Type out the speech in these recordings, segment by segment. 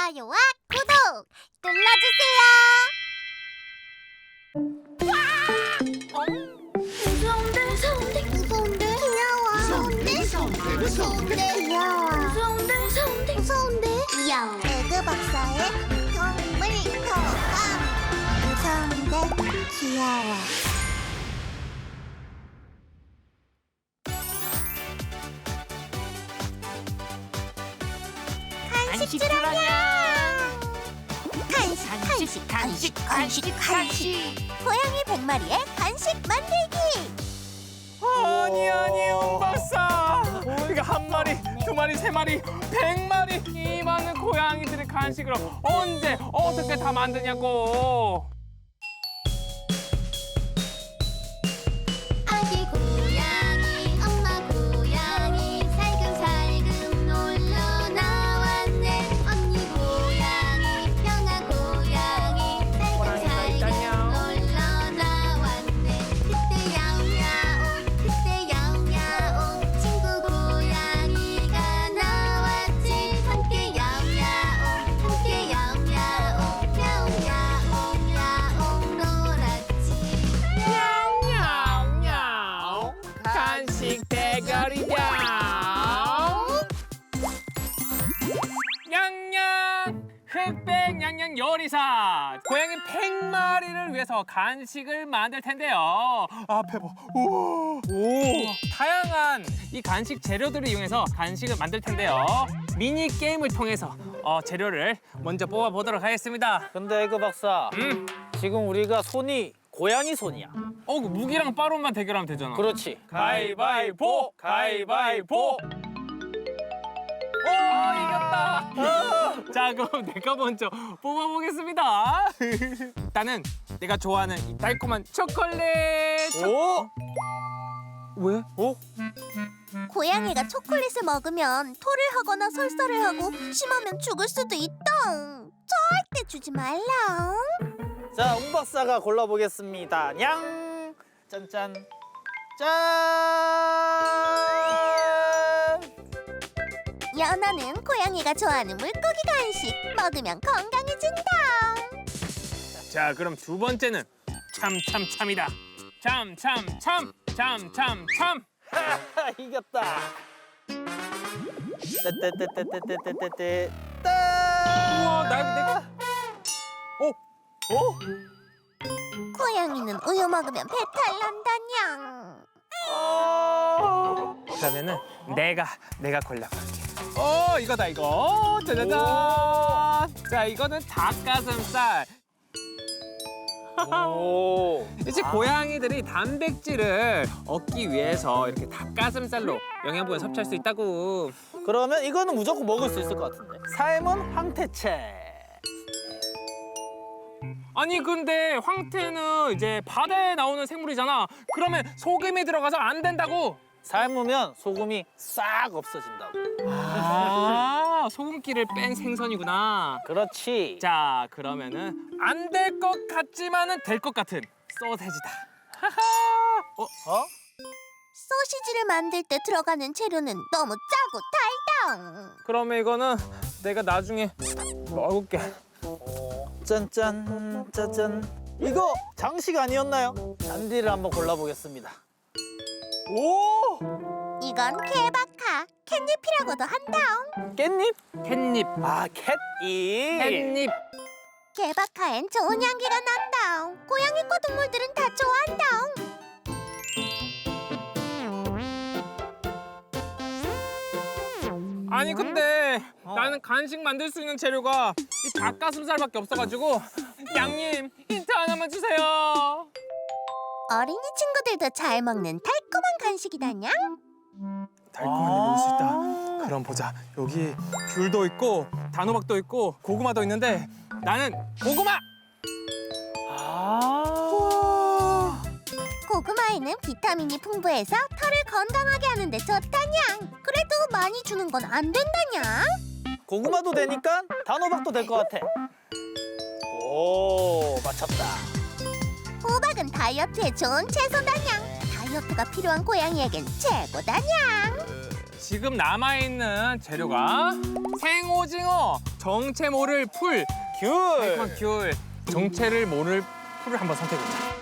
좋아요와 구독 눌러주세요. 무서운데? 귀여워. 무서운데? 귀여워. 무서운데? 귀여워. 에그 박사의 동물 도감. 무서운데? 귀여워. 간식 주라냐. 간식. 고양이 100마리의 간식 만들기. 아니 은박사. 그러니까 한 마리, 두 마리, 세 마리, 100마리 이 많은 고양이들의 간식을 언제 어떻게 다 만드냐고. 아기 고양이 엄마 고양이 살금살금 놀러 나왔네. 언니 고양이 형아 고양이 살금살금 놀러 나왔네. 그때 야옹야옹 친구 고양이가 나왔지. 함께 야옹야옹 야옹야옹 놀았지. 냐옹냐옹 간식 대결이냐. 냥냥 흑백 냥냥 요리사. 고양이 100마리를 위해서 간식을 만들 텐데요. 앞에 봐. 우와. 오. 다양한 이 간식 재료들을 이용해서 간식을 만들 텐데요. 미니 게임을 통해서 재료를 먼저 뽑아 보도록 하겠습니다. 근데 에그 박사, 지금 우리가 손이 고양이 손이야. 그 무기랑 빠로만 대결하면 되잖아. 그렇지. 가위바위보, 가위바위보. 오, 이겼다. 자, 그럼 내가 먼저 뽑아보겠습니다. 일단은 내가 좋아하는 이 달콤한 초콜릿. 오! 왜? 오? 고양이가 초콜릿을 먹으면 토를 하거나 설사를 하고 심하면 죽을 수도 있다. 절대 주지 말라. 자, 웅 박사가 골라보겠습니다. 냥! 짠짠. 짠! 연어는 고양이가 좋아하는 물고기 간식. 먹으면 건강해진다. 자, 그럼 두 번째는 참참참이다. 참참참, 참참참. 하하, 이겼다. 떼떼떼떼떼떼떼떼떼. 우와, 내가. 오? 고양이는 우유 먹으면 배탈 난다냥. 그러면은 내가 골라볼게. 이거다 이거. 짜자잔. 자, 이거는 닭가슴살. 오. 이제 고양이들이 단백질을 얻기 위해서 이렇게 닭가슴살로 영양분을 섭취할 수 있다고. 그러면 이거는 무조건 먹을 수 있을 것 같은데. 삶은 황태채. 아니 근데 황태는 이제 바다에 나오는 생물이잖아. 그러면 소금이 들어가서 안 된다고. 삶으면 소금이 싹 없어진다고. 소금기를 뺀 생선이구나. 그렇지. 자, 그러면은 안 될 것 같지만은 될 것 같은 소세지다. 어? 소시지를 만들 때 들어가는 재료는 너무 짜고 달당. 그러면 이거는 내가 나중에 먹을게. 짠짠 짜잔. 이거 장식 아니었나요? 잔디를 한번 골라보겠습니다. 오! 이건 케바카. 캣잎이라고도 한다옹. 깻잎? 캣잎. 아, 캣잎. 캣잎. 케바카엔 좋은 향기가 난다옹. 고양이과 동물들은 다 좋아한다옹. 아니 근데 나는 간식 만들 수 있는 재료가 이 닭가슴살밖에 없어가지고 양님 힌트 하나만 주세요. 어린이 친구들도 잘 먹는 달콤한 간식이다냥. 달콤한 데 먹을 수 있다. 그럼 보자. 여기 귤도 있고 단호박도 있고 고구마도 있는데 나는 고구마. 고구마에는 비타민이 풍부해서 털을 건강하게 하는데 좋다냥. 그래도 많이 주는 건 안 된다냥. 고구마도 되니까 단호박도 될 것 같아. 오, 맞췄다. 호박은 다이어트에 좋은 채소다냥. 다이어트가 필요한 고양이에겐 최고다냥. 지금 남아있는 재료가 생오징어, 정체 모를 풀, 귤. 귤, 정체를 모를 풀을 한번 선택해보자.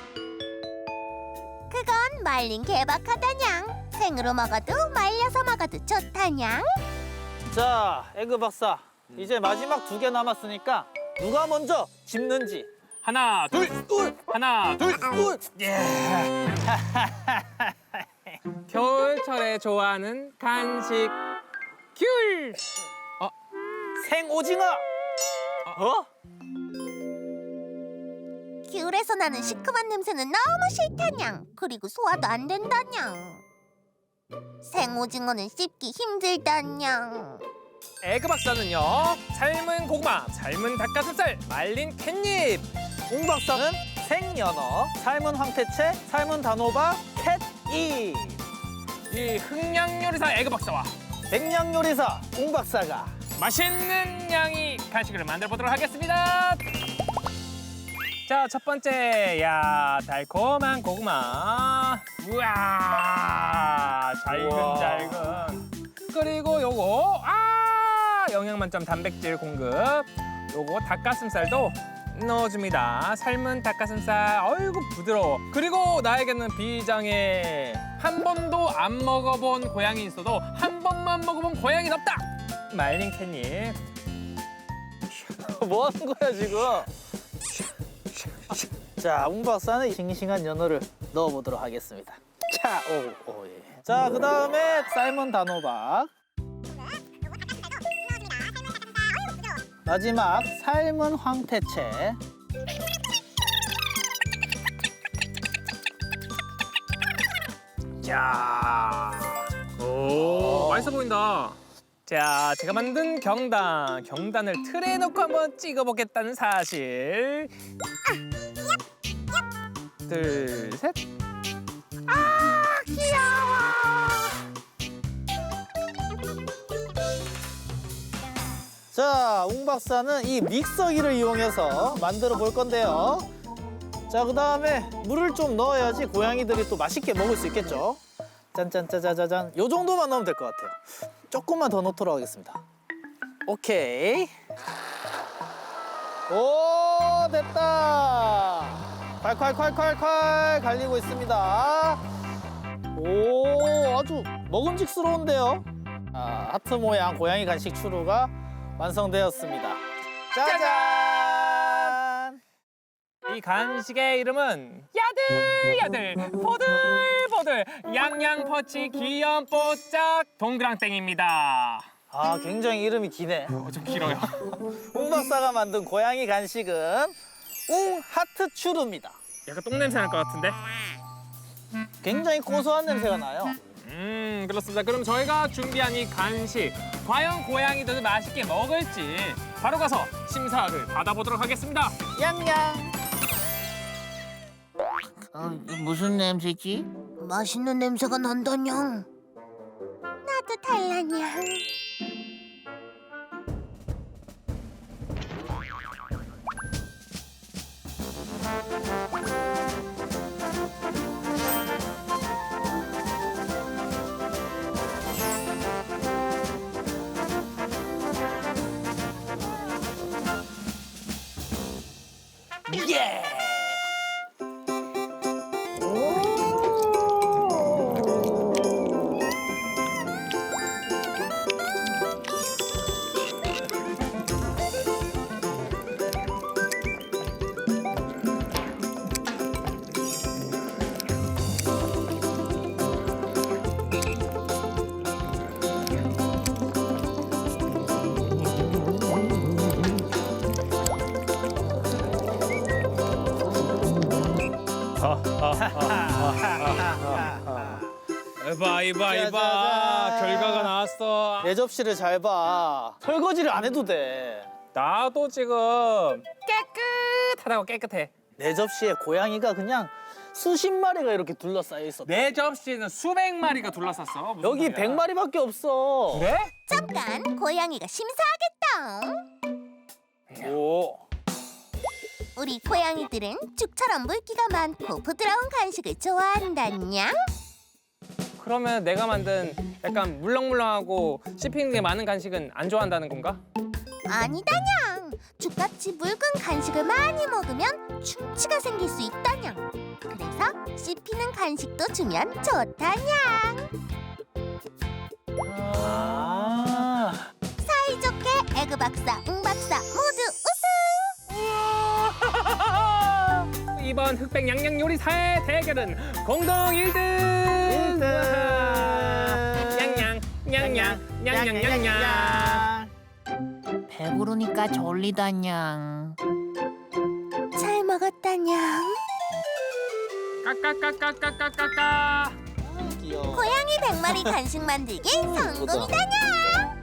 그건 말린 개박하다냥. 생으로 먹어도 말려서 먹어도 좋다냥. 자, 에그 박사. 이제 마지막 2개 남았으니까 누가 먼저 집는지. 하나, 둘, 하나, 둘, 예. 겨울철에 좋아하는 간식 귤. 생오징어. 어? 귤에서 나는 시큼한 냄새는 너무 싫다냥. 그리고 소화도 안 된다냥. 생오징어는 씹기 힘들다냥. 에그 박사는요, 삶은 고구마, 삶은 닭가슴살, 말린 캣잎. 웅 박사는 생연어, 삶은 황태채, 삶은 단호박, 캣잎. 이 흥냥요리사 에그 박사와 백냥요리사 웅 박사가 맛있는 양이 간식을 만들어 보도록 하겠습니다. 자, 첫 번째, 야, 달콤한 고구마. 우와, 잘근잘근. 그리고 요거, 영양 만점 단백질 공급. 요거 닭가슴살도 넣어줍니다. 삶은 닭가슴살, 어이구 부드러워. 그리고 나에게는 비장의 한 번도 안 먹어본 고양이 있어도 한 번만 먹어본 고양이는 없다. 말린 캣잎. 뭐 하는 거야 지금? 자, 웅 박사는 싱싱한 연어를 넣어보도록 하겠습니다. 자, 오, 예. 자, 그 다음에 삶은 단호박. 마지막 삶은 황태채. 자, 오, 맛있어 보인다. 자, 제가 만든 경단을 틀에 넣고 한번 찍어보겠다는 사실. 둘, 셋. 자, 웅 박사는 이 믹서기를 이용해서 만들어 볼 건데요. 자, 그 다음에 물을 좀 넣어야지 고양이들이 또 맛있게 먹을 수 있겠죠. 짠짠짜자자잔. 요 정도만 넣으면 될 것 같아요. 조금만 더 넣도록 하겠습니다. 오케이. 오, 됐다. 콸콸콸콸콸 갈리고 있습니다. 오, 아주 먹음직스러운데요. 하트 모양 고양이 간식 추루가 완성되었습니다. 짜잔! 이 간식의 이름은 야들야들 보들보들 양양퍼치 귀염뽀짝 동그랑땡입니다. 굉장히 이름이 기네. 좀 길어요. 웅 박사가 만든 고양이 간식은 웅 하트 추루입니다. 약간 똥냄새 날 것 같은데? 굉장히 고소한 냄새가 나요. 그렇습니다. 그럼 저희가 준비한 이 간식 과연 고양이들은 맛있게 먹을지 바로 가서 심사를 받아보도록 하겠습니다. 냥냥. 무슨 냄새지? 맛있는 냄새가 난다냥. 나도 달라냥. 예! 이봐 짜자잔. 결과가 나왔어. 내 접시를 잘 봐. 설거지를 안 해도 돼. 나도 지금 깨끗하다고 깨끗해. 내 접시에 고양이가 그냥 수십 마리가 이렇게 둘러싸여 있어. 내 접시는 수백 마리가 둘러쌌어. 무슨 여기 소리야. 100마리밖에 없어. 그래? 잠깐 고양이가 심사하겠다. 오. 우리 고양이들은 죽처럼 물기가 많고 부드러운 간식을 좋아한다냥. 그러면 내가 만든 약간 물렁물렁하고 씹히는 게 많은 간식은 안 좋아한다는 건가? 아니다냥. 죽같이 묽은 간식을 많이 먹으면 충치가 생길 수 있다냥. 그래서 씹히는 간식도 주면 좋다냥. 아. 사이좋게 에그 박사, 응 박사 모두 우승! 이번 흑백 냥냥 요리사의 대결은 공동 1등! 1등. 냥냥, 냥냥, 냥냥냥냥. 배부르니까 졸리다냥. 잘 먹었다냥. 까까까까까까까까. 귀여워. 고양이 100마리 간식 만들기 성공이다냥.